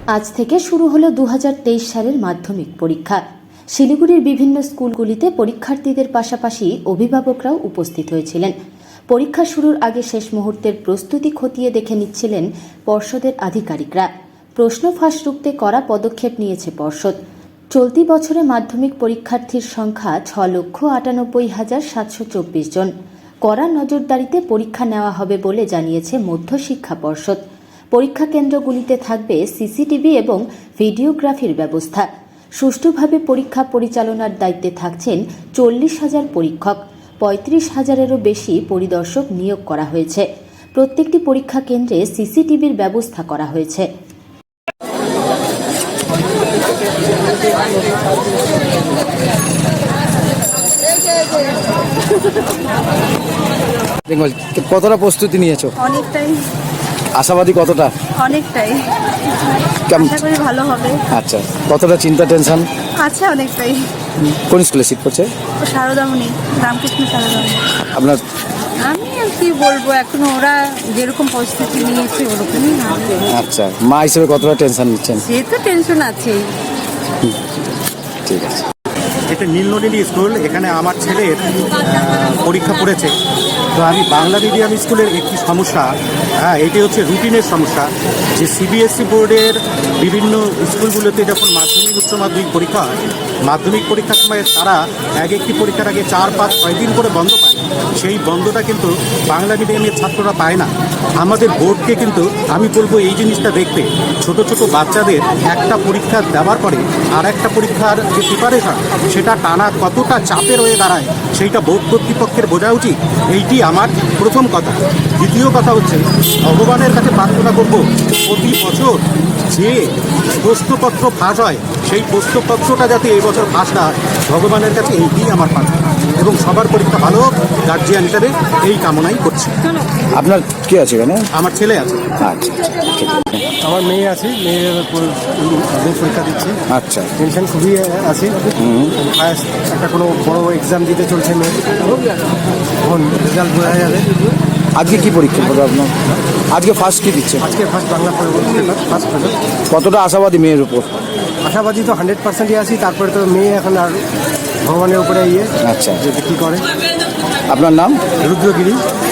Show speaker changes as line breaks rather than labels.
আজ থেকে শুরু হলো 2023 সালের মাধ্যমিক পরীক্ষা। শিলিগুড়ির বিভিন্ন স্কুলগুলিতে পরীক্ষার্থীদের পাশাপাশি অভিভাবকরাও উপস্থিত হয়েছিলেন। পরীক্ষা শুরুর আগে শেষ মুহূর্তের প্রস্তুতি খতিয়ে দেখে নিচ্ছিলেন পর্ষদের আধিকারিকরা। প্রশ্ন ফাঁস রুখতে কড়া পদক্ষেপ নিয়েছে পর্ষদ। চলতি বছরে মাধ্যমিক পরীক্ষার্থীর সংখ্যা 6,98,724 জন। কড়া নজরদারিতে পরীক্ষা নেওয়া হবে বলে জানিয়েছে মধ্যশিক্ষা পর্ষদ। পরীক্ষা কেন্দ্রগুলিতে থাকবে সিসিটিভি এবং ভিডিওগ্রাফির ব্যবস্থা। সুষ্ঠুভাবে পরীক্ষা পরিচালনার দায়িত্বে থাকছেন 40,000 পরীক্ষক। 35,000-এরও বেশি পরিদর্শক নিয়োগ করা হয়েছে। প্রত্যেকটি পরীক্ষা কেন্দ্রে সিসিটিভির ব্যবস্থা করা হয়েছে।
কতটা প্রস্তুতি নিয়েছো?
অনেকটাই।
আশাবাদী কতটা?
অনেকটাই।
কেমন?
আশা করি ভালো হবে।
আচ্ছা, কতটা চিন্তা টেনশন?
আচ্ছা, অনেকটাই।
কোন স্কুলে সিট করছে?
শারদামণি, রামকৃষ্ণ শারদামণি।
আপনার?
আমি আর কি বলবো, এখন ওরা যেরকম প্রস্তুতি নিয়েছে ওরকমই হবে।
আচ্ছা, মা হিসেবে কতটা টেনশন নিচ্ছেন?
সে তো টেনশন আছেই।
ঠিক আছে।
এটা নীলনদী স্কুল, এখানে আমার ছেলের পরীক্ষা পড়েছে। তো আমি বাংলা মিডিয়াম স্কুলের একটি সমস্যা, এটি হচ্ছে রুটিনের সমস্যা, যে সিবিএসই বোর্ডের বিভিন্ন স্কুলগুলোতে যখন মাধ্যমিক উচ্চ মাধ্যমিক পরীক্ষা হয়, মাধ্যমিক পরীক্ষার সময় তারা এক একটি পরীক্ষার আগে 4, 5, 6 দিন করে বন্ধ পায়। সেই বন্ধটা কিন্তু বাংলা মিডিয়ামের ছাত্ররা পায় না। আমাদের বোর্ডকে কিন্তু আমি বলবো এই জিনিসটা দেখতে, ছোট ছোট বাচ্চাদের একটা পরীক্ষা দেওয়ার পরে আর একটা পরীক্ষার যে প্রিপারেশন, সেটা টানা কতটা চাপের হয়ে দাঁড়ায় সেইটা বোর্ড কর্তৃপক্ষের বোঝা উচিত। এইটি আমার প্রথম কথা। দ্বিতীয় কথা হচ্ছে, ভগবানের কাছে প্রার্থনা করব প্রতি বছর যে প্রশ্নপত্র ফাঁস হয় সেই প্রশ্নপত্রটা যাতে এই বছর ফাঁস না হয়, ভগবানের কাছে এইটি আমার প্রার্থনা, এবং সবার পরীক্ষা ভালো হোক গার্জিয়ান হিসেবে এই কামনাই করছি।
আপনার কে আছে এখানে?
আমার ছেলে আছে।
আচ্ছা,
আমার মেয়ে আছে, মেয়ের পরীক্ষা দিচ্ছে।
আচ্ছা,
টেনশন খুবই আছে। ফার্স্ট একটা কোনো বড় এক্সাম দিতে চলছে মেয়ে, এখন রেজাল্ট বোঝা যাবে।
আজকে কি পরীক্ষা হবে আপনার? আজকে ফার্স্ট কি দিচ্ছে?
আজকে first Bangla paper, first paper.
কতটা আশাবাদী মেয়ের উপর?
আশাবাদী তো 100%ই আছি। তারপরে তো মেয়ে এখন আর ভগবানের উপরে
আচ্ছা,
যে কী করে।
আপনার নাম?
রুদ্রগিরি।